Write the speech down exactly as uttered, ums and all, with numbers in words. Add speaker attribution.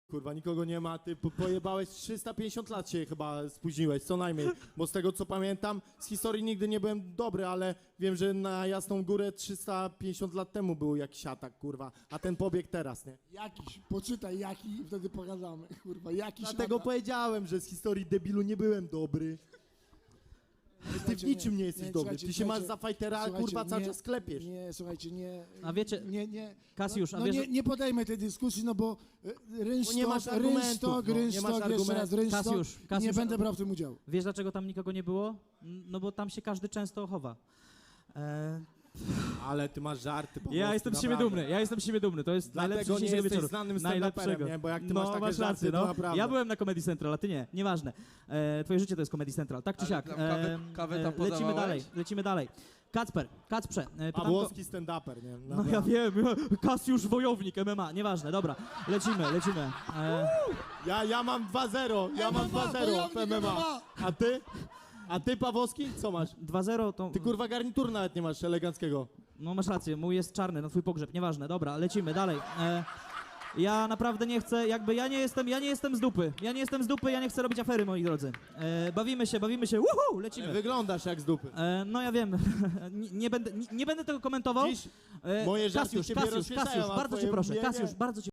Speaker 1: Kurwa, nikogo nie ma, ty po- pojebałeś trzysta pięćdziesiąt lat się chyba spóźniłeś, co najmniej, bo z tego co pamiętam, z historii nigdy nie byłem dobry, ale wiem, że na Jasną Górę trzysta pięćdziesiąt lat temu był jakiś atak, kurwa, a ten pobieg teraz, nie?
Speaker 2: Jakiś, poczytaj jaki i wtedy pogadamy, kurwa, jakiś
Speaker 1: Dlatego
Speaker 2: atak.
Speaker 1: powiedziałem, że z historii debilu nie byłem dobry. Ty w
Speaker 2: Słuchajcie,
Speaker 1: niczym nie jesteś dobry,
Speaker 2: słuchajcie,
Speaker 1: ty się masz
Speaker 2: słuchajcie,
Speaker 1: za fajtera,
Speaker 2: słuchajcie,
Speaker 1: kurwa, cały
Speaker 2: nie,
Speaker 1: czas klepiesz.
Speaker 2: Nie, słuchajcie, nie...
Speaker 3: A wiecie-
Speaker 2: Nie, nie...
Speaker 3: Kasiusz,
Speaker 2: no,
Speaker 3: a
Speaker 2: no
Speaker 3: wiesz,
Speaker 2: nie,
Speaker 3: że-
Speaker 2: nie podejmę tej dyskusji, no bo e, rynsztok,
Speaker 1: nie masz argumentów,
Speaker 2: rynsztok,
Speaker 1: no, nie
Speaker 2: rynsztok,
Speaker 1: masz
Speaker 2: jeszcze raz
Speaker 1: argumentów.
Speaker 2: rynsztok,
Speaker 3: Kasiusz,
Speaker 2: i nie
Speaker 3: Kasiusz,
Speaker 2: będę brał w tym udziału.
Speaker 3: Wiesz, dlaczego tam nikogo nie było? N- No bo tam się każdy często chowa. E,
Speaker 1: Ale ty masz żarty po
Speaker 3: ja
Speaker 1: prostu,
Speaker 3: jestem z siebie
Speaker 1: naprawdę.
Speaker 3: dumny, ja jestem z siebie dumny, to jest
Speaker 1: Dlatego
Speaker 3: najlepszy
Speaker 1: nie
Speaker 3: dzisiejszego
Speaker 1: jesteś
Speaker 3: wieczoru.
Speaker 1: znanym stand-uperem,
Speaker 3: Najlepszego.
Speaker 1: nie? Bo jak ty
Speaker 3: no,
Speaker 1: masz takie
Speaker 3: masz
Speaker 1: żarty,
Speaker 3: rację,
Speaker 1: to
Speaker 3: no.
Speaker 1: naprawdę.
Speaker 3: Ja byłem na Comedy Central, a ty nie, nieważne. E, twoje życie to jest Comedy Central, tak czy
Speaker 4: Ale
Speaker 3: siak.
Speaker 4: tam kawę- kawę tam
Speaker 3: lecimy
Speaker 4: podawałeś?
Speaker 3: dalej, lecimy dalej. Kacper, Kacprze, e, pytam go-
Speaker 1: Pawłowski stand-uper, nie?
Speaker 3: No ja wiem, Kasiusz Wojownik, M M A, nieważne, dobra, lecimy, lecimy. E,
Speaker 1: Ja, ja mam dwa zero, ja mam
Speaker 2: M M A,
Speaker 1: dwa zero w
Speaker 2: wojownik
Speaker 1: M M A.
Speaker 2: M M A.
Speaker 1: A ty? A ty, Pawłowski, co masz?
Speaker 3: dwa zero to...
Speaker 1: Ty kurwa garnitur nawet nie masz eleganckiego.
Speaker 3: No masz rację, mój jest czarny, na twój pogrzeb, nieważne, dobra, lecimy dalej. E, ja naprawdę nie chcę, jakby ja nie jestem, ja nie jestem z dupy, ja nie jestem z dupy, ja nie chcę robić afery, moi drodzy. E, bawimy się, bawimy się, uhu, lecimy.
Speaker 1: Wyglądasz jak z dupy.
Speaker 3: E, no ja wiem, nie, nie, będę, nie, nie będę tego komentował.
Speaker 1: Dziś
Speaker 3: E,
Speaker 1: moje żarty
Speaker 3: Kasiusz,
Speaker 1: ciebie
Speaker 3: Kasiusz,
Speaker 1: rozśmieszają,
Speaker 3: Kasiusz,
Speaker 1: a
Speaker 3: bardzo cię
Speaker 1: twoje
Speaker 3: proszę,
Speaker 1: mnie nie.
Speaker 3: Kasiusz, bardzo cię